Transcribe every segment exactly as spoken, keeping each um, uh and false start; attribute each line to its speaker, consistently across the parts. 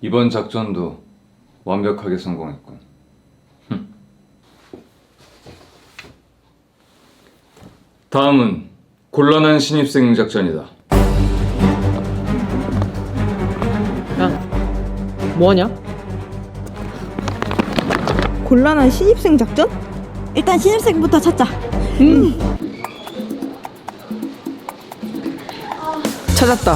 Speaker 1: 이번 작전도 완벽하게 성공했군. 다음은 곤란한 신입생 작전이다.
Speaker 2: 야, 뭐하냐?
Speaker 3: 곤란한 신입생 작전?
Speaker 4: 일단 신입생부터 찾자.
Speaker 2: 음. 찾았다.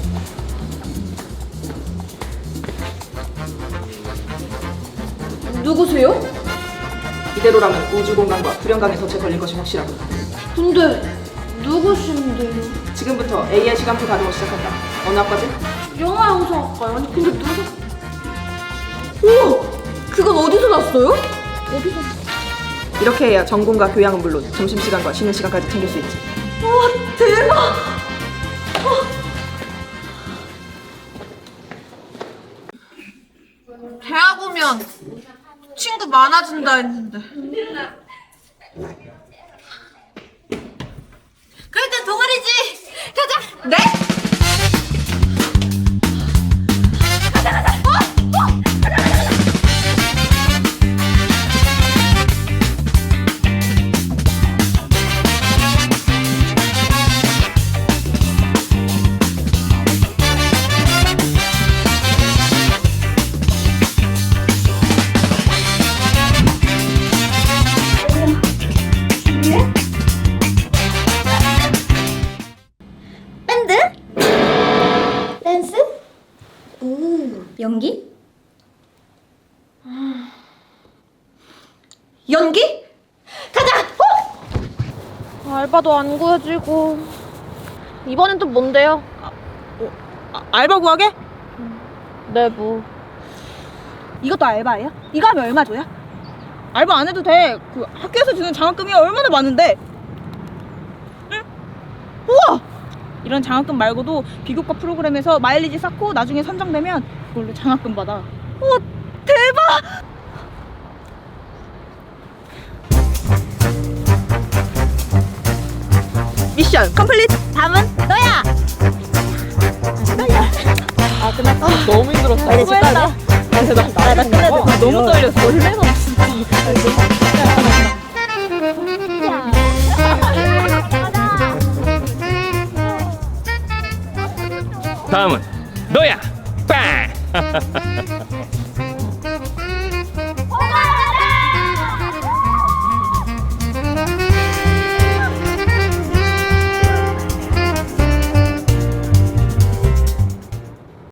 Speaker 5: 누구세요?
Speaker 2: 이대로라면 우주 공간과 불연강에 덫에 걸릴 것이 확실하고.
Speaker 5: 근데 누구신데요?
Speaker 2: 지금부터 에이아이 시간표 가동을 시작한다. 어느 학과지?
Speaker 5: 영화 영상학과요? 아니 근데 누구? 우와! 그건 어디서 났어요? 어디서?
Speaker 2: 이렇게 해야 전공과 교양은 물론 점심시간과 쉬는 시간까지 챙길 수 있지.
Speaker 5: 와 대박! 대학 오면 친구 많아진다 했는데 그럴 땐 동아리지! 가자! 네?
Speaker 4: 밴드? 댄스? 오, 연기?
Speaker 5: 연기? 가자! 어? 알바도 안 구해지고 이번엔 또 뭔데요?
Speaker 3: 아, 알바 구하게?
Speaker 5: 내부
Speaker 3: 이것도 알바예요? 이거 하면 얼마 줘요? 알바 안 해도 돼. 그 학교에서 주는 장학금이 얼마나 많은데. 응? 우와! 이런 장학금 말고도 비교과 프로그램에서 마일리지 쌓고 나중에 선정되면 그걸로 장학금 받아. 우와, 대박! 미션 컴플리트!
Speaker 4: 다음은 너야!
Speaker 2: 아 끝났어? 너무 힘들었어.
Speaker 4: 빨리 집 가자.
Speaker 2: 나, 나, 나 끝내줘.
Speaker 3: 아, 너무 떨렸어.
Speaker 2: 얼마나
Speaker 1: 다음은 너야. 빵.